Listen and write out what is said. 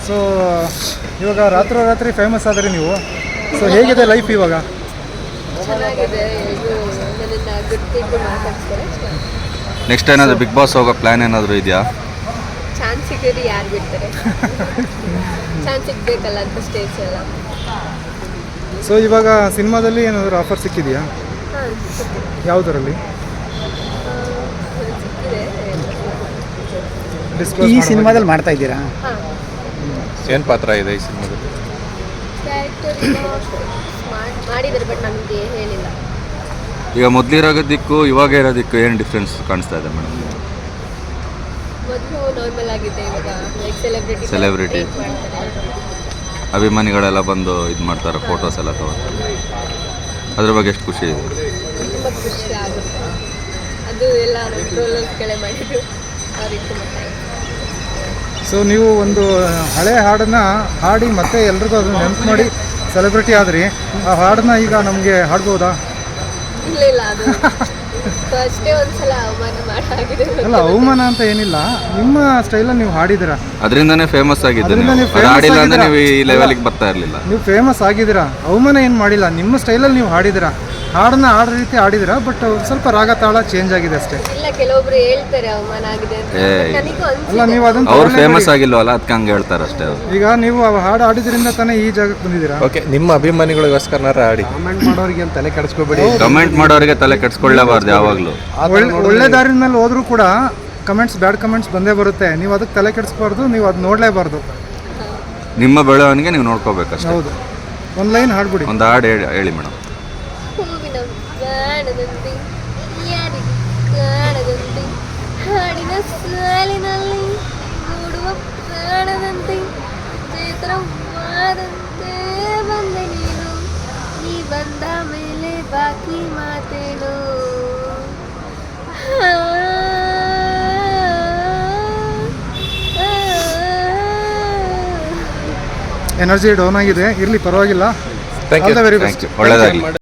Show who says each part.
Speaker 1: So ಇವಾಗ ರಾತ್ರಿ famous ಆದರೆ ನೀವು, ಸೊ ಹೇಗಿದೆ ಲೈಫ್ ಇವಾಗ?
Speaker 2: ಚೆನ್ನಾಗಿದೆ. ಇದು ನನ್ನನ್ನು ಗುರ್ತಿದ್ದು ಮಾತಾಡ್ತಾರೆ.
Speaker 3: ನೆಕ್ಸ್ಟ್ ಏನಾದರೂ ಬಿಗ್ ಬಾಸ್ ಹೋಗೋ ಪ್ಲ್ಯಾನ್ ಏನಾದರೂ ಇದೆಯಾ?
Speaker 2: ಚಾನ್ಸ್ ಸಿಕ್ಕಿದ್ರೆ ಯಾರು ಬಿಡ್ತಾರೆ? ಚಾನ್ಸ್ ಸಿಗ್ಬೇಕಲ್ಲ ಅಂತ ಸ್ಟೇಜ್ ಎಲ್ಲ.
Speaker 1: ಸೊ ಇವಾಗ ಸಿನಿಮಾದಲ್ಲಿ ಏನಾದರೂ ಆಫರ್ ಸಿಕ್ಕಿದೆಯಾ?
Speaker 2: ಹಾಂ,
Speaker 1: ಯಾವುದರಲ್ಲಿ?
Speaker 2: ಸಿಕ್ಕಿದೆ.
Speaker 1: ಡಿಸ್ಕ್ಲೋಸ್
Speaker 4: ಈ ಸಿನಿಮಾದಲ್ಲಿ ಮಾಡ್ತಾ ಇದ್ದೀರಾ?
Speaker 2: ಹಾಂ,
Speaker 3: ಏನು ಪಾತ್ರ ಇದೆ ಈ ಸಿನಿಮಾದಲ್ಲಿ?
Speaker 2: ಕ್ಯಾರೆಕ್ಟರ್ ಮಾಡಿದ್ದಾರೆ, ಬಟ್ ನಮಗೆ ಹೇಳಿಲ್ಲ.
Speaker 3: ಈಗ ಮೊದಲಿರೋದಕ್ಕೂ ಇವಾಗ ಇರೋದಕ್ಕೂ ಏನು ಡಿಫ್ರೆನ್ಸ್ ಕಾಣಿಸ್ತಾ ಇದೆ ಮೇಡಮ್?
Speaker 2: ಮೊದಲು ನಾರ್ಮಲ್ ಆಗಿದೆ, ಇವಾಗ ಲೈಕ್
Speaker 3: Celebrity.
Speaker 2: ಮಾಡ್ತಾರೆ.
Speaker 3: ಅಭಿಮಾನಿಗಳೆಲ್ಲ ಬಂದು ಇದು ಮಾಡ್ತಾರೆ, ಫೋಟೋಸ್ ಎಲ್ಲ ತಗೋತಾರೆ. ಅದ್ರ ಬಗ್ಗೆ ಎಷ್ಟು ಖುಷಿ ಇದೆ?
Speaker 2: ತುಂಬ ಖುಷಿ ಆಗುತ್ತೆ. ಅದು ಎಲ್ಲ ನಮ್ಮ ಟ್ರೋಲರ್ಸ್ ಕೆಳೆ ಮಾಡಿದ್ರು, ಅವ್ರಿಗೆ ತುಂಬ ಥ್ಯಾಂಕ್ಸ್.
Speaker 1: ಸೊ ನೀವು ಒಂದು ಹಳೆ ಹಾಡನ್ನು ಹಾಡಿ ಮತ್ತೆ ಎಲ್ರಿಗೂ ಅದನ್ನು ನೆನಪು ಮಾಡಿ ಸೆಲೆಬ್ರಿಟಿ ಆದ್ರಿ. ಆ ಹಾಡನ್ನ ಈಗ ನಮಗೆ ಹಾಡ್ಬೋದಾ?
Speaker 2: ಇಲ್ಲ ಅದು ಅಷ್ಟೇ ಒಂದ್ಸಲ ಅವಮಾನ ಮಾಡಾಗಿದೆ.
Speaker 1: ಅಲ್ಲ, ಅವಮಾನ ಅಂತ ಏನಿಲ್ಲ, ನಿಮ್ಮ ಸ್ಟೈಲಲ್ಲಿ ನೀವು ಹಾಡಿದ್ದೀರಾ,
Speaker 3: ಅದರಿಂದನೇ ಫೇಮಸ್ ಆಗಿದ್ದು.
Speaker 1: ಅದ್ರಿಂದ ನೀವು famous
Speaker 3: ಹಾಡಿಲ್ಲ ಅಂದ್ರೆ
Speaker 1: ಆಗಿದ್ದೀರಾ.
Speaker 3: ನೀವು ಈ ಲೆವೆಲ್ಗೆ ಬರ್ತಾ ಇರಲಿಲ್ಲ.
Speaker 1: ನೀವು ಫೇಮಸ್ ಆಗಿದ್ದೀರಾ, ಅವಮಾನ ಏನು ಮಾಡಿಲ್ಲ, ನಿಮ್ಮ ಸ್ಟೈಲಲ್ಲಿ ನೀವು ಹಾಡಿದ್ದೀರಾ, ಹಾಡನ್ನ ಹಾಡೋ ರೀತಿ ಹಾಡಿದ್ದೀರಾ. ಬಟ್ ಸ್ವಲ್ಪ ರಾಗ ತಾಳ ಚೇಂಜ್ ಆಗಿದೆ ಅಷ್ಟೇ.
Speaker 2: ಇಲ್ಲ, ಕೆಲವೊಬ್ರು ಹೇಳ್ತಾರೆ ಅವಮಾನ ಆಗಿದೆ ಅಂತ. ನನಗೂ
Speaker 1: ಅಲ್ಲ, ನೀವು ಅದನ್ನು
Speaker 3: ಅವ್ರು ಫೇಮಸ್ ಆಗಿಲ್ವಲ್ಲ, ಅದಕ್ಕೆ ಹಂಗೆ ಹೇಳ್ತಾರೆ ಅಷ್ಟೇ ಅವ್ರು.
Speaker 1: ಈಗ ನೀವು ಆ ಹಾಡು ಹಾಡಿದ್ರಿಂದ ತಾನೇ ಈ ಜಾಗಕ್ಕೆ ಬಂದಿದ್ದೀರಾ.
Speaker 5: ಓಕೆ, ನಿಮ್ಮ ಅಭಿಮಾನಿಗಳಿಗೋಸ್ಕರನಾರ ಆಡಿ.
Speaker 4: ಕಮೆಂಟ್ ಮಾಡೋರಿಗೆ ಅಂತ ತಲೆ ಕೆಡಿಸ್ಕೋಬೇಡಿ.
Speaker 3: ಕಮೆಂಟ್ ಮಾಡೋರಿಗೆ ತಲೆ ಕೆಡಿಸ್ಕೊಳ್ಳೇಬಾರ್ದು ಯಾವಾಗಲೂ.
Speaker 1: ಒಳ್ಳೆ ದಾರಿನ ಮೇಲೆ ಹೋದ್ರೂ ಕೂಡ ಕಮೆಂಟ್ಸ್, ಬ್ಯಾಡ್ ಕಮೆಂಟ್ಸ್ ಬಂದೇ ಬರುತ್ತೆ. ನೀವು ಅದಕ್ಕೆ ತಲೆ ಕೆಡಿಸ್ಬಾರ್ದು, ನೀವು ಅದು ನೋಡಲೇಬಾರ್ದು.
Speaker 3: ನಿಮ್ಮ ಬೆಳವಣಿಗೆ ನೀವು ನೋಡ್ಕೋಬೇಕಷ್ಟೇ.
Speaker 1: ಹೌದು, ಒಂದು ಲೈನ್ ಹಾಡ್ಬಿಡಿ.
Speaker 3: ಒಂದು ಹಾಡು ಹೇಳಿ ಮೇಡಮ್.
Speaker 2: ಹೂವಿನ ಬಾಣದಂತೆ ಯಾರಿಗೆ ಕಾಣದಂತೆ, ಹಾಡಿನ ಸಾಲಿನಲ್ಲಿ ಮೂಡುವ ಪ್ರಾಣದಂತೆ, ಚೇತನವಾದಂತೆ ಬಂದೆ ನೀನು, ನೀ ಬಂದ ಮೇಲೆ ಬಾಕಿ ಮಾತೇನು.
Speaker 1: ಎನರ್ಜಿ ಡೌನ್ ಆಗಿದೆ, ಇರಲಿ ಪರವಾಗಿಲ್ಲ.
Speaker 5: Thank you.
Speaker 1: All the very best.
Speaker 3: ಒಳ್ಳೆಯದಾಗಲಿ.